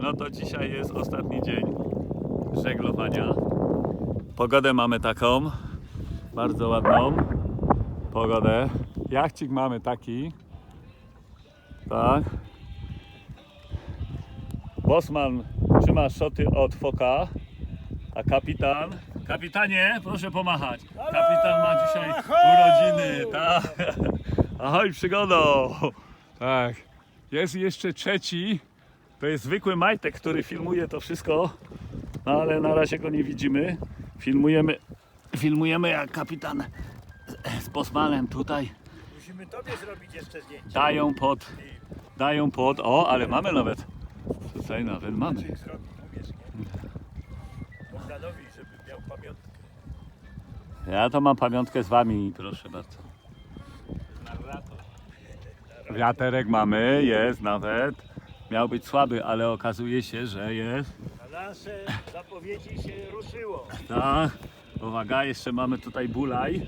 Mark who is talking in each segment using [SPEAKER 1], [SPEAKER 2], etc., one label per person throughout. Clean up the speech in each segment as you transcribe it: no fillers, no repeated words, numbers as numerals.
[SPEAKER 1] No to dzisiaj jest ostatni dzień żeglowania. Pogodę mamy taką, bardzo ładną pogodę. Jachcik mamy taki, tak. Bosman trzyma szoty od foka, a kapitanie, proszę pomachać. Kapitan ma dzisiaj urodziny, tak. Ahoj, przygodo. Tak. Jest jeszcze trzeci. To jest zwykły Majtek, który filmuje to wszystko, no ale na razie go nie widzimy. Filmujemy jak kapitan z Bosmanem tutaj
[SPEAKER 2] Musimy tobie zrobić jeszcze zdjęcie.
[SPEAKER 1] dają pod, o, ale mamy nawet, tutaj nawet mamy.
[SPEAKER 2] Zrobi, umiesz, nie? Bogdanowi, żeby miał pamiątkę.
[SPEAKER 1] Ja to mam pamiątkę z wami, proszę bardzo. Wiaterek mamy, jest nawet. Miał być słaby, ale okazuje się, że jest.
[SPEAKER 2] Na nasze zapowiedzi się ruszyło.
[SPEAKER 1] Tak, uwaga, jeszcze mamy tutaj bulaj.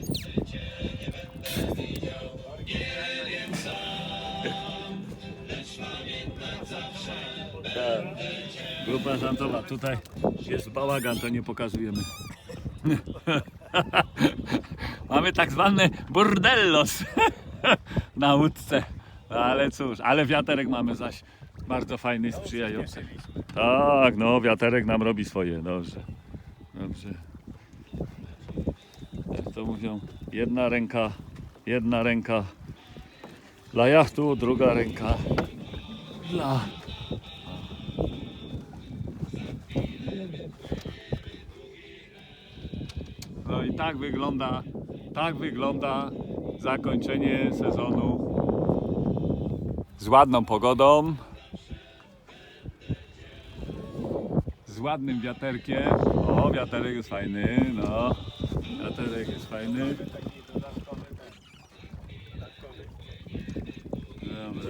[SPEAKER 1] Tak. Grupa żantowa, tutaj jest bałagan, to nie pokazujemy. Mamy tak zwane burdellos na łódce. Ale cóż, ale wiaterek mamy zaś bardzo fajny, sprzyjający. Tak, no wiaterek nam robi swoje, dobrze. Dobrze. Jak to mówią, jedna ręka dla jachtu, druga ręka dla... No i tak wygląda zakończenie sezonu z ładną pogodą, z ładnym wiaterkiem. O, wiaterek jest fajny, no. Wiaterek jest fajny. Dobra.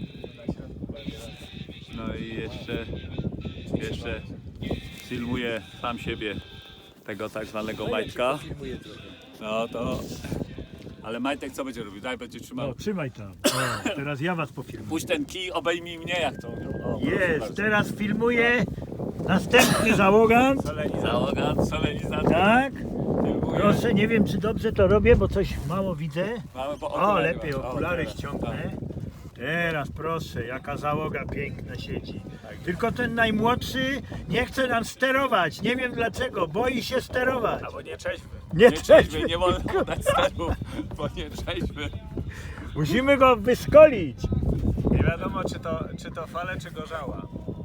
[SPEAKER 1] No i jeszcze filmuję sam siebie, tego tak zwanego Majtka. No to... Ale Majtek co będzie robił? Daj, będzie trzymał.
[SPEAKER 2] No, trzymaj tam. O, teraz ja was pofilmuję.
[SPEAKER 1] Puść ten kij, obejmij mnie, jak to mówią. O, proszę
[SPEAKER 2] Jest,
[SPEAKER 1] bardzo.
[SPEAKER 2] teraz filmuję następny załogant.
[SPEAKER 1] Solenizacja.
[SPEAKER 2] Tak.
[SPEAKER 1] Filmuję.
[SPEAKER 2] Proszę, nie wiem czy dobrze to robię, bo coś mało widzę.
[SPEAKER 1] Mamy po
[SPEAKER 2] O,
[SPEAKER 1] okulary
[SPEAKER 2] lepiej
[SPEAKER 1] masz.
[SPEAKER 2] okulary
[SPEAKER 1] teraz.
[SPEAKER 2] ściągnę. Teraz proszę, jaka załoga piękna siedzi. Tylko ten najmłodszy nie chce nam sterować. Nie wiem dlaczego, boi się sterować.
[SPEAKER 1] Albo nie trzeźwy.
[SPEAKER 2] Nie
[SPEAKER 1] trzeźwy, nie wolno dać sterów, bo nie trzeźwy.
[SPEAKER 2] Musimy go wyszkolić.
[SPEAKER 3] Nie wiadomo czy to fale, czy gorzała.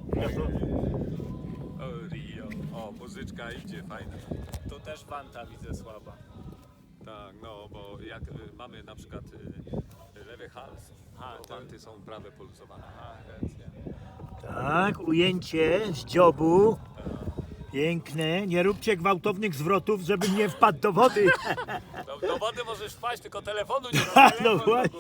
[SPEAKER 1] O, Rio. O, muzyczka idzie, fajna.
[SPEAKER 3] Tu też wanta widzę słaba.
[SPEAKER 1] Tak, no, bo jak mamy na przykład lewy hals, to wanty są prawe poluzowane.
[SPEAKER 3] Racja.
[SPEAKER 2] Tak, ujęcie z dziobu. Piękne. Nie róbcie gwałtownych zwrotów, żebym nie wpadł do wody.
[SPEAKER 1] Do wody możesz wpaść, tylko telefonu nie
[SPEAKER 2] No właśnie.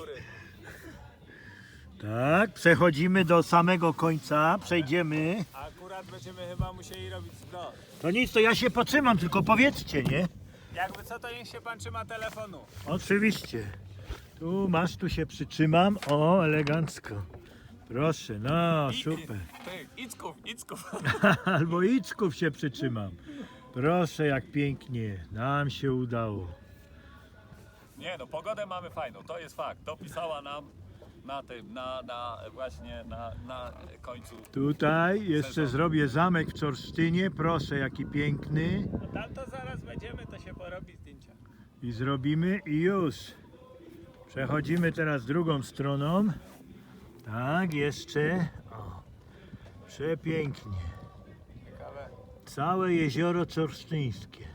[SPEAKER 2] Tak, przechodzimy do samego końca. Przejdziemy.
[SPEAKER 3] A akurat będziemy chyba musieli robić zwrot.
[SPEAKER 2] To nic, to ja się potrzymam, tylko powiedzcie, nie?
[SPEAKER 3] Jakby co, to niech się pan trzyma telefonu.
[SPEAKER 2] Oczywiście. Tu masz, tu się przytrzymam. O, elegancko. Proszę, no super.
[SPEAKER 1] Icków.
[SPEAKER 2] Albo iczków się przytrzymam. Proszę, jak pięknie. Nam się udało.
[SPEAKER 1] Nie no, pogodę mamy fajną, to jest fakt. Dopisała nam na tym, właśnie na końcu.
[SPEAKER 2] Tutaj jeszcze
[SPEAKER 1] Sezon.
[SPEAKER 2] zrobię zamek w Czorsztynie. Proszę, jaki piękny.
[SPEAKER 3] No tam to zaraz będziemy, to się porobi zdjęcia.
[SPEAKER 2] I zrobimy i już. Przechodzimy teraz drugą stroną. Tak, jeszcze. O, przepięknie.
[SPEAKER 3] Ciekawe.
[SPEAKER 2] Całe jezioro Czorsztyńskie.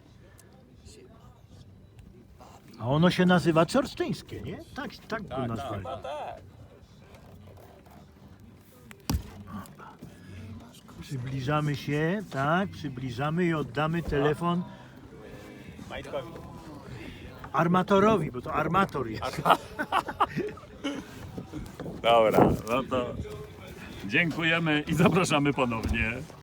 [SPEAKER 2] A ono się nazywa Czorsztyńskie, nie? Tak go nazwali.
[SPEAKER 3] No tak.
[SPEAKER 2] Przybliżamy się, tak, przybliżamy i oddamy telefon
[SPEAKER 3] Majtkowi.
[SPEAKER 2] armatorowi, bo to armator jest.
[SPEAKER 1] Dobra, no to dziękujemy i zapraszamy ponownie.